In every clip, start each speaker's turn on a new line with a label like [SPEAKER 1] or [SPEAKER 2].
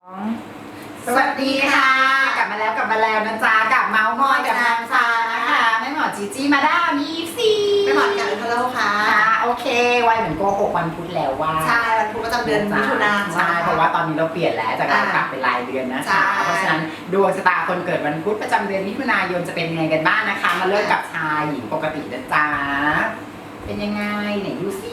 [SPEAKER 1] สวัสดีค่ะกลับมาแล้วนะจ๊ะกับเมาส์มอยกับนางฟ้านะคะแม่หมอจีจีมาด้ามีซี
[SPEAKER 2] แม่หมอกันฮัลโหลค่ะ
[SPEAKER 1] โอเควัยเหมือนโกหกวันพุธแล้วว่า
[SPEAKER 2] ใช่วันพุธประจำเดือนมิถุนายน
[SPEAKER 1] ใช่เพราะว่าตอนนี้เราเปลี่ยนแล้วจากการกลับเป็นรายเดือนนะคะเพราะฉะนั้นดวงชะตาคนเกิดวันพุธประจำเดือนมิถุนายนจะเป็นยังไงกันบ้างนะคะมาเริ่มกับชายหญิงปกตินะจ๊ะเป็นยังไงไหนดูซิ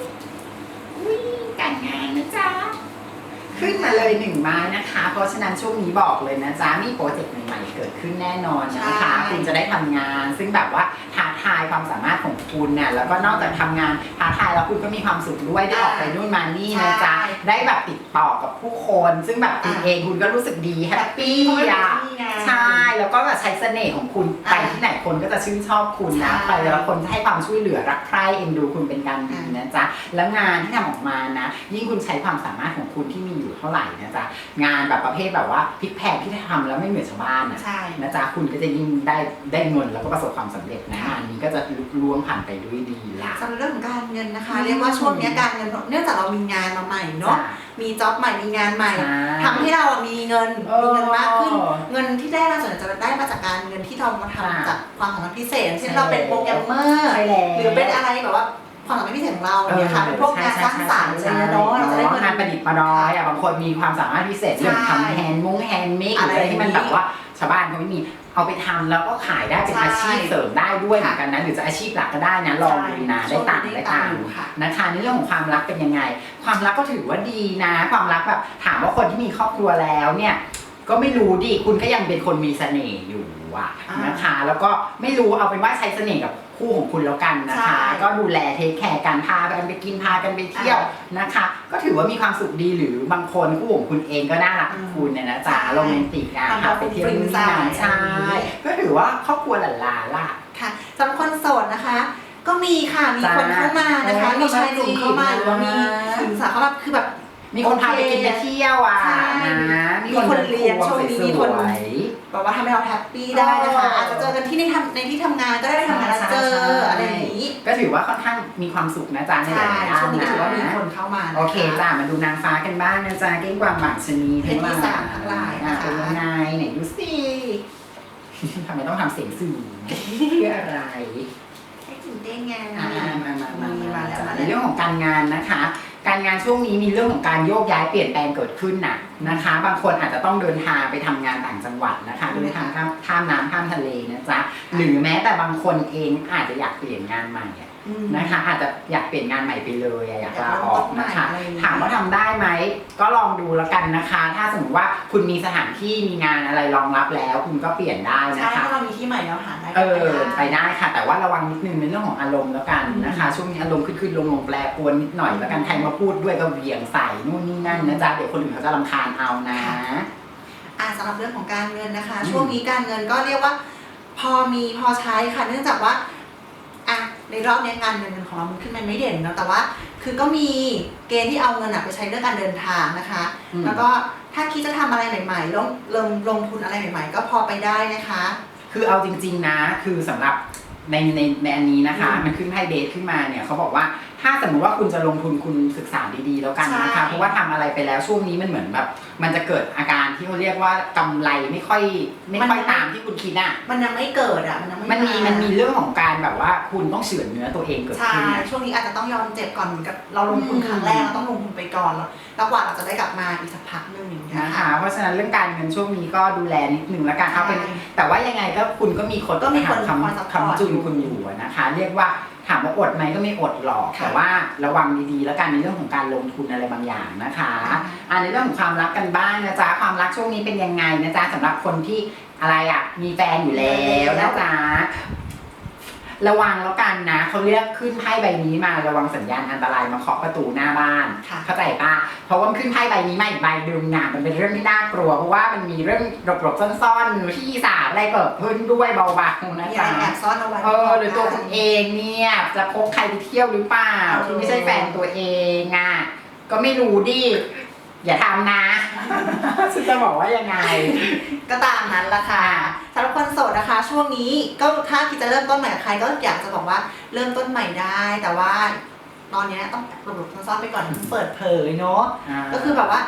[SPEAKER 1] การงานนะจ๊ะขึ้นมาเลย1 ไม้นะคะเพราะฉะนั้นช่วงนี้บอกเลยนะจ๊ะมีโปรเจกต์ใหม่ๆเกิดขึ้นแน่นอนนะคะคุณจะได้ทำงานซึ่งแบบว่าท้าทายความสามารถของคุณเนี่ยแล้วก็นอกจากทำงานท้าทายแล้วคุณก็มีความสุขด้วยได้ออกไปนู่นมานี่นะจ๊ะได้แบบติดต่อกับผู้คนซึ่งแบบคุณเองคุณก็รู้สึกดีแฮปปี้อ่ะใช่แล้วก็แบบใช้เสน่ห์ของคุณไปที่ไหนคนก็จะชื่นชอบคุณนะไปแล้วคนให้ความช่วยเหลือรักใคร่เอ็นดูคุณเป็นการดีนะจ๊ะแล้วงานที่ทำออกมานะยิ่งคุณใช้ความสามารถของคุณที่มีอยู่เท่าไหร่นะจ๊ะงานแบบประเภทแบบว่าพลิกแพลงที่ทำแล้วไม่เหมือนชาวบ้านนะจ๊ะคุณก็จะยิ่งได้เงินแล้วก็ประสบความสำเร็จนะงานนี้ก็จะลุล่วงผ่านไปด้วยดีละ
[SPEAKER 2] สำหรับเรื่องของการเงินนะคะเรียกว่าช่วงนี้การเงินเนื่องจากเรามีงานมาใหม่เนาะมีจ็อบใหม่มีงานใหม่ทำให้เรามีเงินมากขึ้นเงินที่ได้เราส่วนใหญ่จะได้มาจากการเงินที่เรามาทำจากความสามารถพิเศษเช่นเราเป็นโปรแกรมเมอร์หรือเป็นอะไรแบบว่าความสามารถพิเศษของเราเนี่ยค่ะเป็นพวกงานสร้างสรรค์อะไรเนาะเราจะได้
[SPEAKER 1] งานประดิษฐ์ประดอยบางคนมีความสามารถพิเศษเรื่องทำแฮนด์เมคอะไรที่มันแบบว่าชาวบ้านเขาไม่มีเอาไปทำแล้วก็ขายได้เป็นอาชีพเสริมได้ด้วยเหมือนกันนะหรือจะอาชีพหลักก็ได้นะลองดูนะได้ตังค์นะคะในเรื่องของความรักเป็นยังไงความรักก็ถือว่าดีนะความรักแบบถามว่าคนที่มีครอบครัวแล้วเนี่ยก็ไม่รู้ดิคุณก็ยังเป็นคนมีเสน่ห์อยู่นะคะแล้วก็ไม่รู้เอาเป็นว่าใช้เสน่ห์กับคู่ของคุณแล้วกันนะคะก็ดูแลเทคแคร์กันพากันไปกินพากันไปเที่ยวนะคะก็ถือว่ามีความสุขดีหรือบางคนคู่ของคุณเองก็น่ารักคุณเนี่ยนะจ๊ะโรแมนติกนะพาไปเที่ยวนู่นนี่นั่นใช่ก็ถือว่าครอบครัวหลานๆล่ะ
[SPEAKER 2] ค่ะสำหรับคนโสดนะคะก็มีค่ะมีคนเข้ามานะคะมีชายหนุ่มเข้ามาหรือว่ามีหญิงสาวเข้ามาคือแบบ
[SPEAKER 1] มีคนพาไปกินไปเที่ยวนะ
[SPEAKER 2] มีคนเลี้ยงช่วงนี้มีคนแบบว่าทำให้เราแฮปปี้ได้นะคะอาจจะเจอกันที่ในที่ทำงานก็ได้ทำงานเจออะไรอย่างนี้
[SPEAKER 1] ก็ถือว่าค่อนข้างมีความสุขนะจ๊ะในหลายๆด้าน
[SPEAKER 2] ช่วงนี้ถือว่ามีคนเข้ามา
[SPEAKER 1] โอเคจ้ะมาดูนางฟ้ากันบ้างนะจ๊ะเก้งกวางหมากชนี
[SPEAKER 2] เพศที่3ทั้งหลายนะคะ
[SPEAKER 1] เป็นยังไงไหนดูสิทำไมต้องทำเสียงสื่อเพื่ออะไร
[SPEAKER 2] ให้ตื่นเต้นไง
[SPEAKER 1] มาแล้วในเรื่องของการงานนะคะการงานช่วงนี้มีเรื่องของการโยกย้ายเปลี่ยนแปลงเกิดขึ้นนะคะบางคนอาจจะต้องเดินทางไปทำงานต่างจังหวัดนะคะเดินทางข้ามน้ำข้ามทะเลนะจ๊ะหรือแม้แต่บางคนเองอาจจะอยากเปลี่ยนงานใหม่นะคะอาจจะอยากเปลี่ยนงานใหม่ไปเลยอยากลาออกนะคะถามว่าทำได้ไหมก็ลองดูแล้วกันนะคะถ้าสมมติว่าคุณมีสถานที่มีงานอะไรรองรับแล้วคุณก็เปลี่ยนได้นะคะ
[SPEAKER 2] ถ้าเรามีที่ใหม่แล้วหาได้
[SPEAKER 1] ไปได้ค่ะแต่ว่าระวังนิดนึงในเรื่องของอารมณ์แล้วกันนะคะช่วงนี้อารมณ์ขึ้นลงแปรปรวนนิดหน่อยแล้วกันใครมาพูดด้วยก็เวียงใส่นู่นนี่นั่นนะจ๊ะเดี๋ยวคนอื่นเขาจะรำคาญเอานะ
[SPEAKER 2] สำหรับเรื่องของการเงินนะคะช่วงนี้การเงินก็เรียกว่าพอมีพอใช้ค่ะเนื่องจากว่าในรอบนี้งานเงินของเรามันขึ้นมาไม่เด่นเนาะแต่ว่าคือก็มีเกณฑ์ที่เอาเงินไปใช้เรื่องการเดินทางนะคะแล้วก็ถ้าคิดจะทำอะไรใหม่ๆลงทุนอะไรใหม่ๆก็พอไปได้นะคะ
[SPEAKER 1] คือเอาจริงๆนะคือสำหรับในอันนี้นะคะมันขึ้นไพ่เบสขึ้นมาเนี่ยเขาบอกว่าถ้าสมมติว่าคุณจะลงทุนคุณศึกษาดีๆแล้วกันนะคะเพราะว่าทำอะไรไปแล้วช่วงนี้มันเหมือนแบบมันจะเกิดอาการที่เขาเรียกว่ากำไรไม่ค่อยตามที่คุณคิด
[SPEAKER 2] มันยังไม่เกิด
[SPEAKER 1] มันมีเรื่องของการแบบว่าคุณต้องเฉือนเนื้อตัวเองเกิดขึ้น
[SPEAKER 2] ช่วงนี้อาจจะต้องยอมเจ็บก่อนเหมือนกับเราลงทุนครั้งแรกเราต้องลงทุนไปก่อนแล้วกว่าเราจะได้กลับมาอีกสักพักนึง
[SPEAKER 1] นะคะเพราะฉะนั้นเรื่องการเงินช่วงนี้ก็ดูแลนิดนึงแล้วกันเอาเป็นแต่ว่ายังไงก็คุณก็มีคนคำจุนคุณอยู่นะคะเรียกว่าถามว่าอดไหมก็ไม่อดหรอกแต่ว่าระวังดีๆแล้วกันในเรื่องของการลงทุนอะไรบางอย่างนะคะในเรื่องของความรักกันบ้างนะจ๊ะความรักช่วงนี้เป็นยังไงนะจ๊ะสำหรับคนที่อะไรมีแฟนอยู่แล้วนะจ๊ะระวังแล้วกันนะเขาเรียกขึ้นไพ่ใบนี้มาระวังสัญญาณอันตรายมาเคาะประตูหน้าบ้านเข้าใจปะเพราะว่าขึ้นไพ่ใบนี้มาอีกใบดึงมันเป็นเรื่องที่น่ากลัวเพราะว่ามันมีเรื่องหลบๆซ่อนๆที่สามอะไรเกิดขึ้นด้วยเบาๆนะจ๊ะ
[SPEAKER 2] แอบซ่อนเอาไว้
[SPEAKER 1] หรือตัวคุณเองเนี่ยจะพกใครไปเที่ยวหรือเปล่าที่ไม่ใช่แฟนตัวเองก็ไม่รู้ดิอย่าทำนะฉันจะบอกว่ายังไง
[SPEAKER 2] ก็ตามนั้นละค่ะสำหรับคนโสดนะคะช่วงนี้ก็ถ้าคิดจะเริ่มต้นใหม่กับใครก็อยากจะบอกว่าเริ่มต้นใหม่ได้แต่ว่าตอนนี้ต้องหลบๆซ่อนๆไปก่อนเปิดเผยเนาะก็คือแบบว่า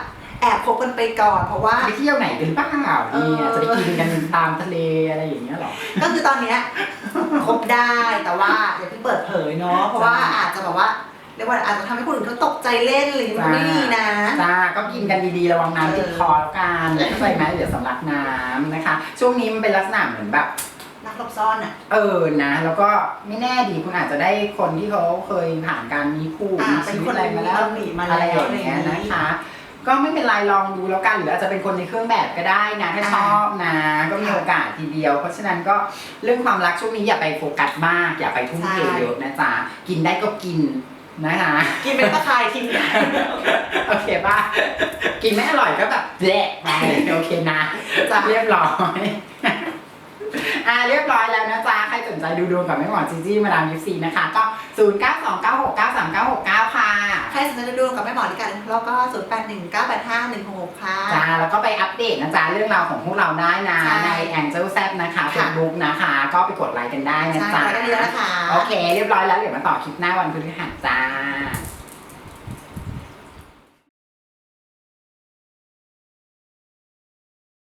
[SPEAKER 2] แอบคบกันไปก่อนเพราะว่า
[SPEAKER 1] ไปเที่ยวไหนกันหรือเปล่าเนี่ยจะไปกินกันตามทะเลอะไรอย่างเงี้ยหรอ
[SPEAKER 2] ก็คือตอนเนี้ยคบได้แต่ว่าอย่าเพิ่งเปิดเผยเนาะเพราะว่าอาจจะแบบว่าเรียกว่าอาจจะทำให้คนอื่นเขาตกใจเล่นหรือมันไม่ดีนะ
[SPEAKER 1] จ้าก็กินกันดีๆระวังน้ำติดคอแล้วกันเข้าใจไหมเดี๋ยวสำลักน้ำนะคะช่วงนี้มันเป็นลักษณะเหมือนแบบ
[SPEAKER 2] รักหลบซ่อนอ่ะ
[SPEAKER 1] นะแล้วก็ไม่แน่ดีคุณอาจจะได้คนที่เขาเคยผ่านการมีคู่มีชีวิตอะไรมาแล้วอะไรอย่างเงี้ยนะคะก็ไม่เป็นไรลองดูแล้วกันหรืออาจจะเป็นคนในเครื่องแบบก็ได้นะถ้าชอบนะก็มีโอกาสทีเดียวเพราะฉะนั้นก็เรื่องความรักช่วงนี้อย่าไปโฟกัสมากอย่าไปทุ่มเทเยอะนะจ๊ะกินได้ก็กินนะคะ
[SPEAKER 2] กินเป็นตะไคร้ทิ้ง
[SPEAKER 1] โอเคป่ะกินไม่อร่อยก็แบบแหละไปโอเคนะจะเรียบร้อยเรียบร้อยแล้วนะจ๊ะใครสนใจดูดวงกับแม่หมอจีจี้มาดามยิปซีนะคะก็0929693969ค่ะ
[SPEAKER 2] ใครสนใจดูดวงกับแม่หมอลิกันแล้วก็08198516ค่ะ
[SPEAKER 1] จ้าแล้วก็ไปอัปเดตนะจ๊ะเรื่องราวของพวกเราได้นะใน Angel Z นะคะเฟซบุ๊กนะคะก็ไปกดไลค์กันได้นะจ๊ะ
[SPEAKER 2] ใช่ได้เลยนะคะ
[SPEAKER 1] โอเคเรียบร้อยแล้วเดี๋ยวมาต่อคลิปหน้าวันพฤหัสจ้า